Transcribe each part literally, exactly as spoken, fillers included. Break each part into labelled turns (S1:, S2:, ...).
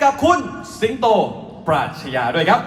S1: กับคุณสิงโตปราชญาด้วยครับ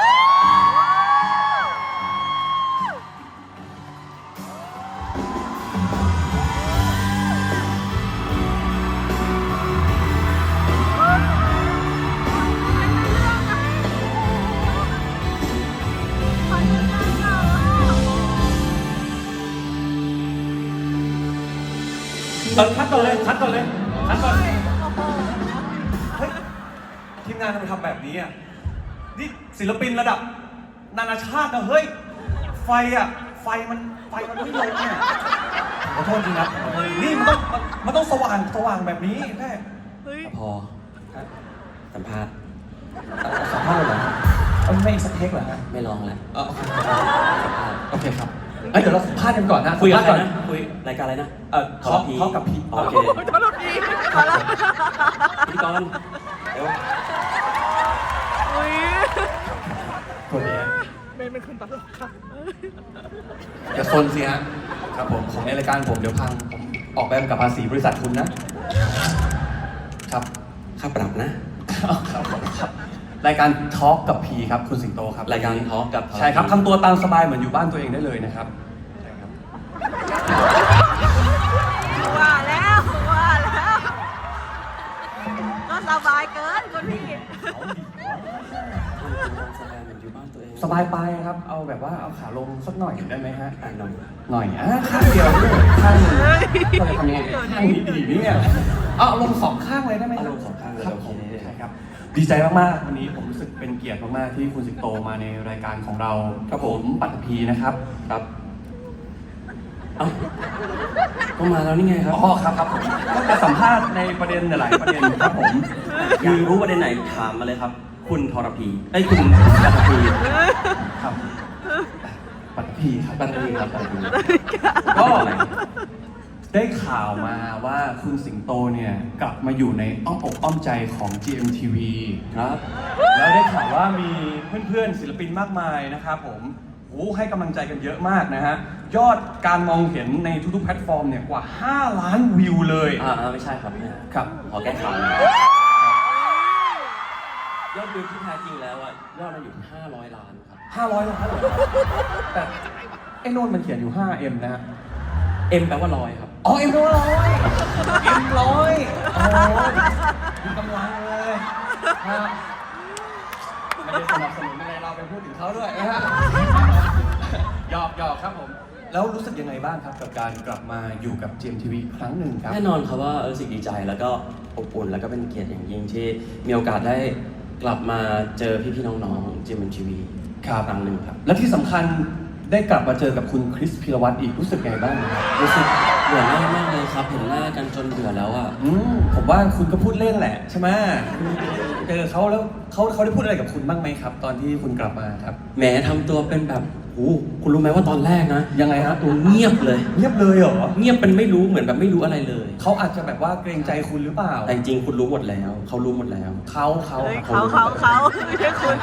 S1: เออคัดก่อนเลยคัดก่อนเลยคัดก่อนเฮ้ยทีมงานทำไมทำแบบนี้อ่ะนี่ศิลปินระดับนานาชาตินะเฮ้ยไฟอ่ะไฟมันไฟมันไม่ลงเนี่ยขอโทษจริงนะนี่มันต้องมันต้องสว่างสว่างแบบนี้แม่
S2: พอสัมภาษณ์
S1: สัมภาษณ์เหรอเอาไม่สเต็กเหรอฮะ
S2: ไม่ลองแล้ว
S1: โอเคครับเอ้ยเดี๋ยวเราสัมภาษณ์กันก่อนนะ
S2: คุยกันก่อนนะคุยรายการอะไรนะ
S1: เออทอล์กทอล์กกับพี
S2: โอเค
S3: ทอล์กกับพีมาแล้ว
S2: พิธีกรเดี๋ยว
S3: อุ้ย
S1: ตัวนี้
S3: เมย์เป็นคนตลกค่ะ
S1: อย่าซนสิฮะครับผมของในรายการผมเดี๋ยวพังผมออกใบกำกับภาษีบริษัทคุณนะครับ
S2: ค่าปรับนะครับ
S1: รายการทอล์กกับพีครับคุณสิงโตครับ
S2: รายการทอล์กกับ
S1: ใช่ครับทำตัวตามสบายเหมือนอยู่บ้านตัวเองได้เลยนะครับ
S3: ว่าแล้วว่าแล้วก็สบายเกินคุณพี่
S1: สบายไปครับเอาแบบว่าเอาขาลงสักหน่อยได้ไหมฮะ
S2: หน่อย
S1: หน่อยอ่ะข้างเดียวข้างนึงเราจะทำยังไงข้างนี้ดีนี่เนี่ยเอาลงสองข้างเลยได้ไหม
S2: ลงสองข้างเลย
S1: ครับผมใช่ครับดีใจมากๆวันนี้ผมรู้สึกเป็นเกียรติมากๆที่คุณสิงโตมาในรายการของเราครับผมปัตตภีนะครับครับ
S2: เอ้าก็มาแล้วนี่ไงครับ
S1: อ๋อครับครับผมก็จะสัมภาษณ์ในประเด็นหลายประเด็นครับผม
S2: คือรู้ประเด็นไหนถามมาเลยครับคุณทรพีไอ้คุณปัตตภี
S1: ครับปัตตภีครับ
S2: ปัตตภีครับปัตตภี
S1: ก็ได้ข่าวมาว่าคุณสิงโตเนี่ยกลับมาอยู่ในอ้อมอกอ้อมใจของ จี เอ็ม ที วี ครับแล้วได้ข่าวว่ามีเพื่อนๆศิลปินมากมายนะครับผมโอ้ให้กำลังใจกันเยอะมากนะฮะยอดการมองเห็นในทุกๆแพลตฟอร์มเนี่ยกว่าห้าล้านวิวเลย
S2: อ่าไม่ใช่ครับ
S1: ครับ
S2: ขอแก้ข่าวยอดวิวที่แท้จริงแล้วอ่ะยอดมันอยู่ห้าร้อยล้านครับ
S1: ห้าร้อยล้านแต่ไอ้โน่นมันเขียนอยู่ ห้าเอ็ม นะฮะ
S2: M แปลว่าร้อยครับ
S1: อ๋อ M แปลว่าร้อย M ร้อยโอ้มีกำลังเลยครับไม่ได้สนับสนุนอะไรเราไปพูดถึงเขาด้วยนะฮะหยอกหยอกครับผมแล้วรู้สึกยังไงบ้างครับกับการกลับมาอยู่กับ จี เอ็ม ที วี ครั้งหนึ่งครับ
S2: แน่นอนครับว่ารู้สึกดีใจแล้วก็อบอุ่นแล้วก็เป็นเกียรติอย่างยิ่งที่มีโอกาสได้กลับมาเจอพี่ๆน้องๆ จี เอ็ม ที วี
S1: ครับ
S2: ครั้งหนึ่งครับ
S1: และที่สำคัญได้กลับมาเจอกับคุณคริสพิรวัตรอีกรู้สึกไงบ้างครับ
S2: รู้สึกเบื่อหน้ามากเลยครับเห็นหน้ากันจนเบื่อแล้วอ่ะ
S1: อืมผมว่าคุณก็พูดเล่นแหละใช่ไหมเจอเขาแล้วเขาเขาได้พูดอะไรกับคุณบ้างไหมครับ ตอนที่คุณกลับมาครับ
S2: แหมทำตัวเป็นแบบโอ้คุณรู้ไหมว่าตอนแรกนะ
S1: ยังไงฮะ
S2: ตัวเงียบเลย
S1: เงียบเลยเหรอ
S2: เงียบเป็นไม่รู้เหมือนแบบไม่รู้อะไรเลย
S1: เขาอาจจะแบบว่าเกรงใจคุณหรือเปล่า
S2: แต่จริงคุณรู้หมดแล้วเขารู้หมดแล้ว
S1: เขาเขา
S3: เขาเขาเขาไม่ใช่คุณ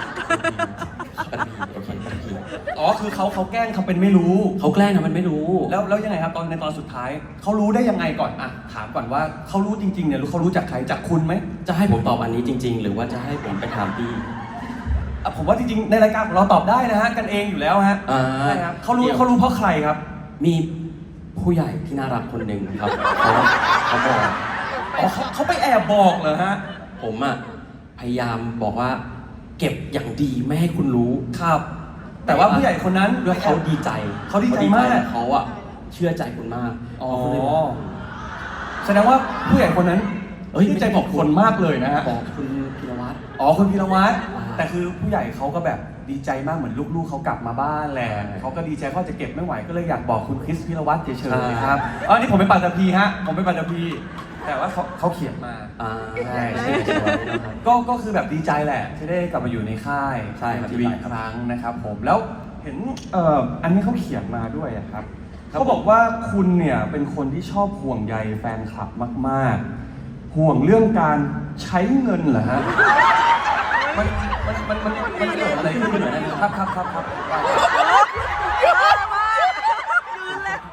S1: อ๋อคือเขาเขาแกล้งทำเป็นไม่รู้
S2: เขาแกล้งทำเป็นไม่รู้
S1: แล้วแล้วยังไงครับตอนในตอนสุดท้ายเขารู้ได้ยังไงก่อนอ่ะถามก่อนว่าเขารู้จริงๆเนี่ยรู้เขารู้จากใครจากคุณไหม
S2: จะให้ผมตอบอันนี้จริงๆหรือว่าจะให้ผมไปถามพี่
S1: ผมว่าจริงๆในรายการของเราตอบได้นะฮะกันเองอยู่แล้วฮะใช่ครับเขารู้เขารู้เพราะใครครับ
S2: มีผู้ใหญ่ที่น่ารักคนหนึ่งครับเขาเขาบอก
S1: อ๋อเขาเขาไปแอบบอกเหรอฮะ
S2: ผมอ่ะพยายามบอกว่าเก็บอย่างดีไม่ให้คุณรู้
S1: ครับแต่ว่าผู้ใหญ่คนนั้น
S2: ด้วยเขาดีใจ
S1: เขาดีใจมาก
S2: เขาอ่ะเชื่อใจคุณมาก
S1: อ๋อแสดงว่าผู้ใหญ่คนนั้น
S2: เอ้ย
S1: ดีใจบอกคนมากเลยนะฮะ
S2: บอกคุณพีรวัตร
S1: อ๋อคุณพีรวัตรแต่คือผู้ใหญ่เขาก็แบบดีใจมากเหมือนลูกๆเขากลับมาบ้านแหละเขาก็ดีใจเขาจะเก็บไม่ไหวก็เลยอยากบอกคุณคริสพีรวัตรเฉยๆครับอ๋อนี่ผมเป็นปัตตภีฮะผมเป็นปัตตภีแต่ว่าเขาเขาเขียนมา
S2: อ่า
S1: ใช่ก็ก็คือแบบดีใจแหละที่ได้กลับมาอยู่ในค่าย
S2: ใช่
S1: ทีวีครั้งนะครับผมแล้วเห็นเอ่ออันนี้เขาเขียนมาด้วยครับเขาบอกว่าคุณเนี่ยเป็นคนที่ชอบห่วงใยแฟนคลับมากๆห่วงเรื่องการใช้เงินเหรอฮะมันมันมันมันมันเกิดอะไรขึ้นเหรอครับครับครับครับ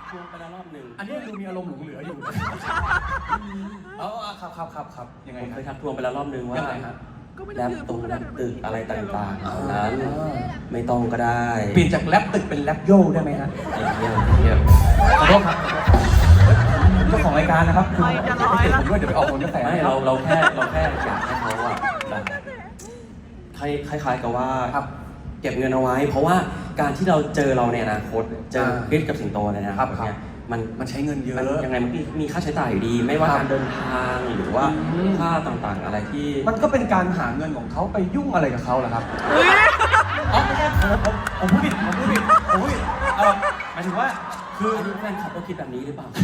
S2: ทวงไปแล้วรอบหนึ่ง
S1: อันนี้ดูมีอารมณ์หลงเหลืออยู่นะเอาเอาครับครับครับครับยังไง
S2: ผม
S1: ค
S2: เครับ ยทักทวงไปแล้วรอบหนึ่งว่า
S1: ยังไงฮะ
S2: แลบตรงแลบตึกอะไรต่างๆเหล่านั้นไม่ต้องก็ได้
S1: เปลี่ยนจากแรปตึกเป็นแรปโยได้ไหมฮะ
S2: ไอ้เหี้ยเหี้ย
S1: ขอโทษครับเจ้าของรายการนะครับคุณ
S3: ไม่จะร้อย
S1: ไม่
S3: แล้ว
S1: ผมด้วยเดี๋ยวไปออกผลกระแส
S2: ไม่
S1: ให้
S2: เรา
S1: เรา
S2: เราแค่เราแค่อยากให้เขาอะแบบคล้ายคล้ายๆกับว่า
S1: ครับ
S2: เก็บเงินเอาไว้ เพราะว่าการที่เราเจอเราในอนาคตเจอ
S1: อ่า
S2: คริสกับสิงโตในอนาคต
S1: ครับ
S2: เนี่ยมัน
S1: มันใช้เงินเยอะ
S2: มันยังไงมันมีมีค่าใช้จ่ายอยู่ดี ไม่ว่า
S1: ครับ
S2: การเดินทางหรือว่า
S1: อืม
S2: ค่าต่างๆ อะไรที่
S1: มันก็เป็นการหาเงินของเขาไปยุ่งอะไรกับเขาเหรอครับ
S3: อุ๊ย
S1: อ๋อไม่ใช่ผมผมผมพูดผิดผมพูดผิดผมพูดผิดเออหมายถึงว่าคือ
S2: อันนี้แฟนคลับก็คิดแบบนี้หรือเปล่า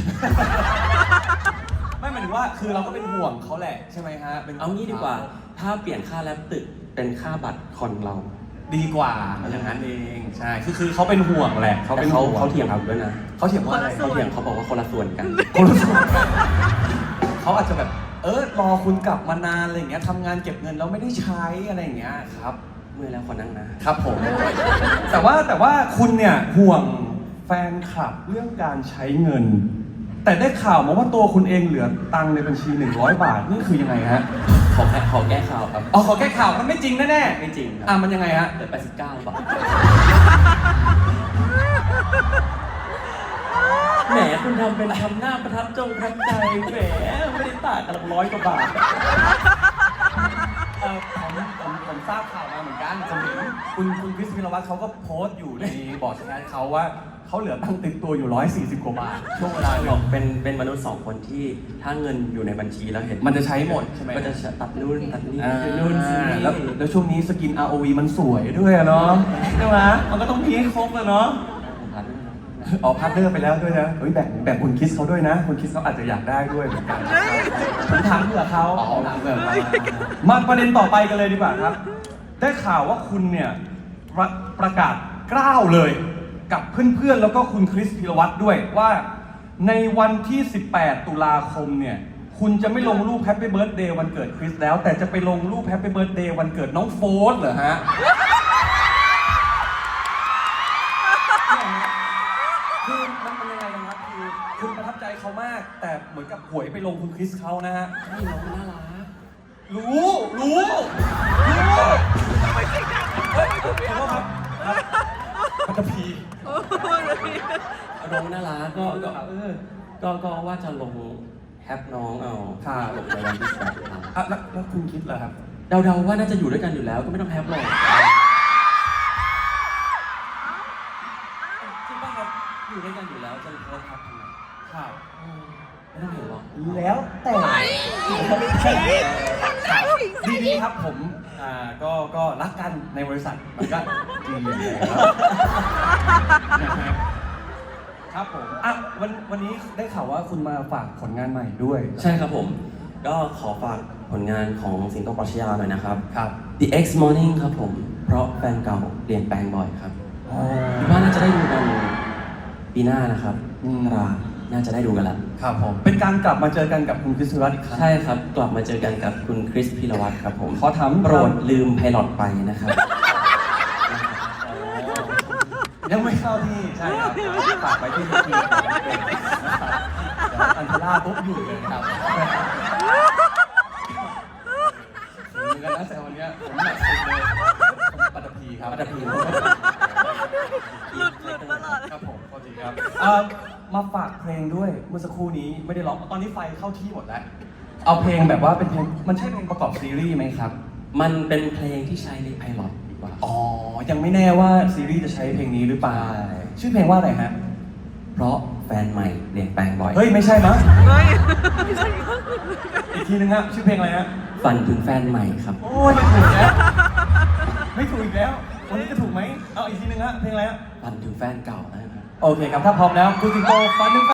S1: ไม่หมายถึงว่าคือเราก็เป็นห่วงเขาแหละใช่ไหมฮะป็น
S2: เอางี้ดีกว่า ถ้าเปลี่ยนค่าแลบตึกเป็นค่าบัตรคอนเรา
S1: ดีกว่าอย่างนั้นเองใช่คือคือเขาเป็นห่วงแหละเขา
S2: เขา
S1: เป็น
S2: เขา
S1: ห่วง
S2: เขาเถียงผมด้วยนะ
S1: เขาเถียงว่าอะไร
S2: เขาเถียงเขาบอกว่าคนละส่วนกัน
S1: คนรู้สึกเขาอาจจะแบบ เออรอคุณกลับมานานอะไรอย่างเงี้ยทำงานเก็บเงินแล้วไม่ได้ใช้อะไรอย่างเงี้ยครับ
S2: เมื่อยแล้วขอนั่งนะ
S1: ครับผม แต่ว่าแต่ว่าคุณเนี่ยห่วงแฟนคลับเรื่องการใช้เงิน แต่ได้ข่าวมาว่าตัวคุณเองเหลือตังค์ในบัญชีหนึ่งร้อยบาทนี่คือยังไงฮะ
S2: ขอแค่ขอแก้ข่าวครับ
S1: อ๋อขอแก้ข่าวมันไม่จริงแน่
S2: ไม่จริง
S1: ๆ
S2: ค
S1: อ่ะ
S2: รับ
S1: มันยังไงฮะ
S2: เหลือแปดสิบเก้าบาทแหมคุณทำเป็นทำหน้าประทับจงประทับใจแหมไม่ได้ต่างกันหรอกร้อยกว่าบาท
S1: เออผมผมผมทราบข่าวมาเหมือนกันผมเห็นคุณคุณคริสพิรวัตรเขาก็โพสต์อยู่ในบอร์ดแชทเขาว่าเขาเหลือตังค์ติดตัวอยู่ร้อยสี่สิบกว่าบาทช่วงเวลาห
S2: บ
S1: นึ่
S2: อก
S1: ง
S2: เป็นเป็นมนุษย์สองคนที่ถ้าเงินอยู่ในบัญชีแล้วเห็น
S1: มันจะใช้หมดใช่ไหม
S2: ก็จะตัดนู่นตัดนี่
S1: อ่า
S2: ซื้อนู่นซื้อนี่
S1: แล้วแล้วช่วงนี้สกิน อาร์ โอ วี มันสวยด้วยอะเนาะใช่ไหมมันก็ต้องมีให้ครบอะเนาะ
S2: ผมผ่านด้วยนะ
S1: อ๋อพาร์ทเนอร์ไปแล้วด้วยนะเฮ้ยแบ่งแบ่งคุณคิสเขาด้วยนะ คุณคิสเขาอาจจะอยากได้ด้วยเหมือนกันผมถามเผื่อเขาอ๋อถามเผื่อเขามาประเด็นต่อไปกันเลยดีกว่าครับ ได้ข่าวว่าคุณเนี่ยประประกาศกล้าวเลยกับเพื่อนๆ แล้วก็คุณคริสพิรวัตรด้วยว่าในวันที่ สิบแปด ตุลาคมเนี่ย คุณจะไม่ลงรูปแฮปปี้เบิร์ a เดย์วันเกิดคริสแล้ว แต่จะไปลงรูปแฮปปี้เบิร์ a เดย์วันเกิดน้องโฟสเหรอฮะ คือมันเป็นยังไงกันครับคือคุณประทับใจเขามาก แต่เหมือนกับหวยไปลงคุณคริสเขานะฮะ
S2: ให้น้องน่ารัก
S1: รู้รู้รู้เฮ้ยขอโทษครับครับปัตตภี
S2: น้องน่ารักก็ก็เออก็ก็ว่าจะลงแฮปน้องเอาลงในวันที่สิบแปดตุลา
S1: อ่ะแล้วแล้วคุณคิดเหรอครับ
S2: เดาๆว่าน่าจะอยู่ด้วยกันอยู่แล้วก็ไม่ต้องแฮปหรอกจริงป่ะครับอยู่ด้วยกันอยู่แล้วจะโพสต์แฮปทำไม
S1: ครับ
S2: อืมไม่ต้องเห็นหรอก
S1: แล้วแต่ดีดีครับผมอ่าก็ก็รักกันในบริษัทมันก็ดีอยู่แล้วครับผมอ่ะวันวันนี้ได้ข่าวว่าคุณมาฝากผลงานใหม่ด้วย
S2: ใช่ครับผม ก็ขอฝากผลงานของสิงโตปรัชญาหน่อยนะครับ
S1: ครับ
S2: The X Morning ครับผม เพราะแฟนเก่าเปลี่ยนแปลงบ่อยครับ
S1: อ๋อ
S2: คิดว่าน่าจะได้ดูกันปีหน้านะครับ
S1: อืม
S2: ราน่าจะได้ดูกันแล้ว
S1: ครับผมเป็นการกลับมาเจอกันกับคุณคริสพิรวัตรอีกครั้ง
S2: ใช่ครับ กลับมาเจอกันกับคุณคริสพิรวัตรครับผม
S1: ขอถาม
S2: โปรดลืมไพลอตไปนะครับ
S1: ยังไม่เข้าที่ใช่ครับฝากไปที่ทีมของเป็นนะครับเดี๋ยวอันเทล่าปุ๊บอยู่เลยครับเหมือนกันนะแต่วันเนี้ยผมหนักสุดเลยผมปัตตภีครับ
S2: ปัตตภี
S3: หลุดหลุดตลอด
S1: ครับผมพอดีครับเอ่อมาฝากเพลงด้วยเมื่อสักครู่นี้ไม่ได้ร้องตอนนี้ไฟเข้าที่หมดแล้วเอาเพลงแบบว่าเป็นเพลงมันใช่เพลงประกอบซีรีส์ไหมครับ
S2: มันเป็นเพลงที่ใช้ในไพลอตดีกว่า
S1: อ๋อ ยังไม่แน่ว่าซีรีส์จะใช้เพลงนี้หรือเปล่า
S2: ใช่
S1: ชื่อเพลงว่าอะไรฮะ
S2: เพราะแฟนใหม่เปลี่ยนแปลงบ่อย
S1: เฮ้ย ไม่ใช่มั้ง
S3: เฮ้ย
S1: อีกทีนึงฮะชื่อเพลงอะไรฮะ
S2: ฝันถึงแฟนใหม่ครับ
S1: โอ้ยไม่ถูกแล้ว ไม่ถูกอีกแล้ว วันนี้จะถูกไหม เอาอีกทีนึงฮะ เพลงอะไรฮะ
S2: ฝันถึงแฟนเก่านะครับ
S1: โอเคครับ ถ้าพร้อมแล้วคุณสิงโตฟันหนึ่ง